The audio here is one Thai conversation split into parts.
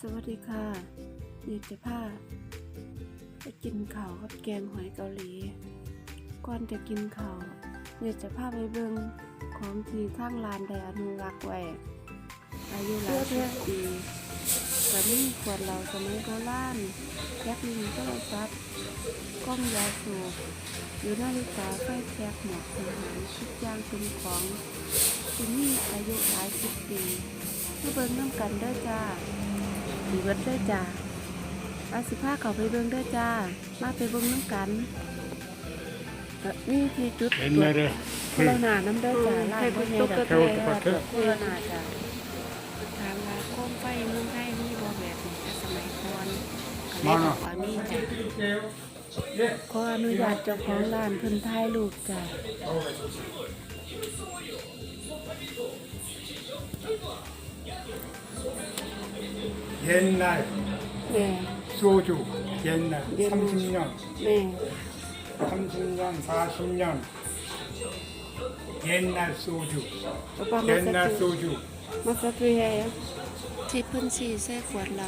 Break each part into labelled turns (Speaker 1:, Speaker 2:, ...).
Speaker 1: สวัสดีค่ะนี่จะพาไปกินข้าวกับแกงหอยเกาหลีก่อนจะกินข้าวเนี่ยจะพาไปเบิ่งของที่ทางร้านได้อนุรักษ์ไว้อายุหลายสิบปีก็มีขวดเหล้าสมัยโบราณแก๊สลิงโทรศัพท์กล้องยาสูบหรือนาฬิกาไฟแช็กหมวกทหารทุกอย่างเป็นของที่มีอายุหลายสิบปีมาเบิ่งน้ำกันเด้อจ้าดีเบิดเด้อจ้าอาสิพาเขาไปเบิ่งเด้อจ้ามาไปเบิ่งน้ำกันนี่ที่จุดโคโรนาน้ำเด้อจ้าลาดพ่อใหญ่ดอกโคโรนาจ้าทางว่าโคมไฟเมืองไทยมีบ่แบบนี้แต่สมัยก่อนก็เลยบอกว่ามีจ้ะขออนุญาตเจ้าของร้านเพิ่นถ่ายรูปจ้า
Speaker 2: 옛날
Speaker 1: 네.
Speaker 2: 소주 옛날 30년
Speaker 1: แม่
Speaker 2: 30년 40년 옛날 소주
Speaker 1: ป้าป้ามาสัก
Speaker 2: 옛날
Speaker 1: ที
Speaker 2: 소주
Speaker 1: มาสักทีให้ที่เพิ่นสีแท้ขวดเรา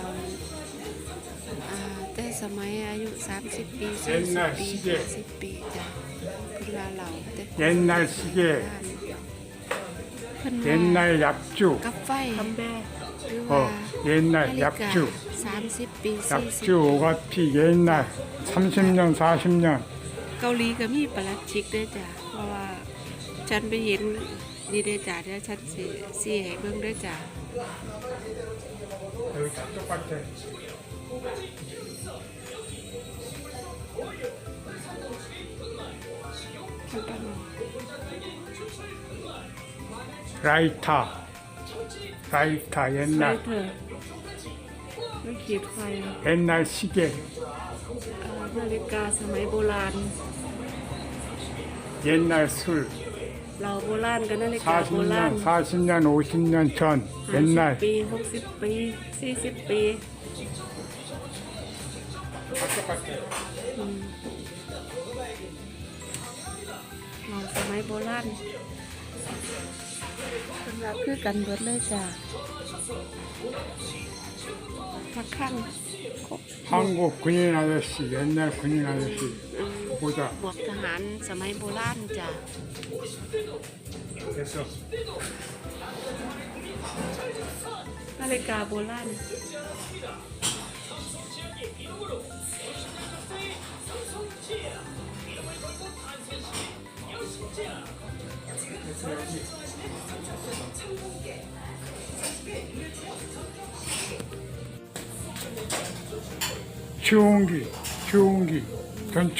Speaker 1: แต่สมัยอายุ30ปี40ปี50ปีจ้ะเพิ่นว่าเราแต่
Speaker 2: 옛날 시계
Speaker 1: เพิ่น
Speaker 2: 옛날 약주
Speaker 1: กับไฟหรือว่า
Speaker 2: 옛날
Speaker 1: นาฬิกา
Speaker 2: 약주
Speaker 1: 30ปี40
Speaker 2: 약주 오가피 옛날 30년 40년
Speaker 1: เกาหลีก็มีประหลัดชิกด้วยจ้ะเพราะว่าฉันไปเห็นดีเด้อจ้ะเดี๋ยวฉันสิให้เบิ่งด้วยจ้ะ
Speaker 2: 여기 다 똑같아 라이터
Speaker 1: ไฟ
Speaker 2: 옛날
Speaker 1: เถอะไม่ขีดไฟ
Speaker 2: 옛날 시계
Speaker 1: นาฬิกาสมัยโบราณ
Speaker 2: 옛날 술
Speaker 1: เราโบราณกับนาฬิกาโบราณ
Speaker 2: 40년 50년 전
Speaker 1: 50
Speaker 2: 옛날
Speaker 1: ปี60ปี40ปี
Speaker 2: 다 똑같아
Speaker 1: เราสมัยโบราณเป็นแบบคือกันเบิดเลยจ้ะพักข้าง
Speaker 2: 한국 군인 아저씨 옛날 군인 아저씨 보자
Speaker 1: บวกทหารสมัยโบราณจ้ะ
Speaker 2: 됐어
Speaker 1: นาฬิกาโบราณ
Speaker 2: 추운기 전축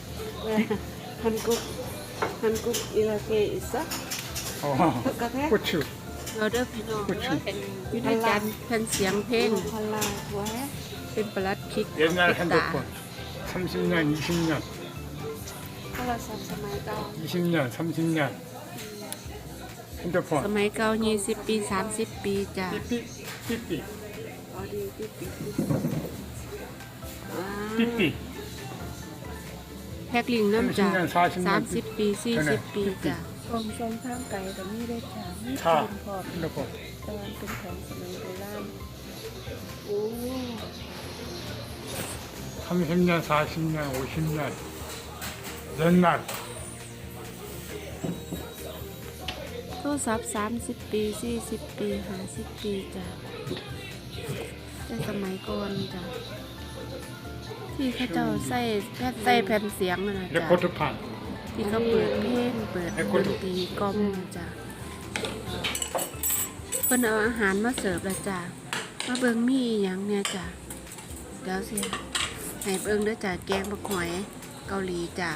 Speaker 1: ฮันกุกอิราเกอิสะ
Speaker 2: 고추
Speaker 1: เราเด้อพี่น้อง
Speaker 2: 고추
Speaker 1: อยู่ในจานแผ่นเสียงเพลงพลาหัวเป็นประลัดคิก
Speaker 2: 옛날 핸드폰 30년 20년
Speaker 1: โทรศัพท์สมัยเก่า
Speaker 2: 20년 30년
Speaker 1: ส
Speaker 2: 핸드폰
Speaker 1: มัยเก่า20ปี30ปีจ้ะ
Speaker 2: 삐삐
Speaker 1: อ๋อดีปิ๊บ
Speaker 2: 삐삐
Speaker 1: แพ็กลิงน้ำจ้ะ
Speaker 2: 30
Speaker 1: 30ปี40ปีจ้ะของทรงทางไกลแต่มีได้จ้ะมี
Speaker 2: 차
Speaker 1: เป็นพอ
Speaker 2: 핸드폰
Speaker 1: ตอนเป็นของสมัยโบราณโอ้
Speaker 2: 30년 40년 50년 옛날
Speaker 1: โทรศัพท์30ปี40ปี50ปีจ้ะแต่สมัยก่อนจ้ะที่เขาเจ้าใส่แผ่นเสียงนั่นนะจ้ะ
Speaker 2: 레코드판
Speaker 1: ที่เขาเปิดเพลงเปิดดนตรีกล่อมนะจ้ะเพิ่นเอาอาหารมาเสิร์ฟแล้วจ้ะมาเบิ่งมีอหยังเนี่ยจ้ะเดี๋ยวสิให้เบิ่งเด้อจ้ะแกงบักหอยเกาหลีจ้ะ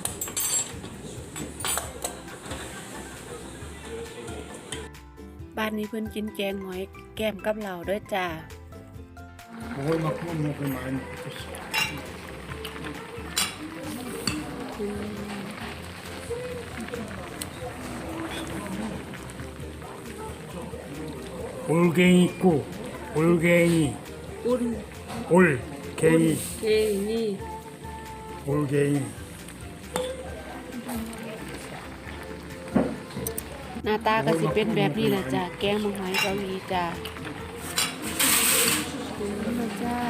Speaker 1: บ้านนี้เพิ่นกินแกงหอยแก้มกับเหล้าด้วยจ้ะ
Speaker 2: 먹을 만큼은 먹을 많이 먹겠어 올갱이 있고 올갱이
Speaker 1: อุ่น
Speaker 2: 올갱이
Speaker 1: เคนี่
Speaker 2: 올갱이
Speaker 1: หน้าตาก็สิเป็นแบบนี้แหละจ้ะแกงมังหอยเกาหลีจ้ะ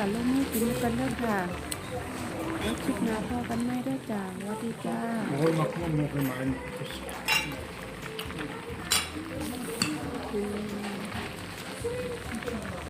Speaker 1: ลงมือกินกันเด้อค่ะแล้วคลิปหน้าพอกันไม่ได้อจ้าสวัสดีจ้า
Speaker 2: 먹을 만큼은 먹고 많이 먹겠어.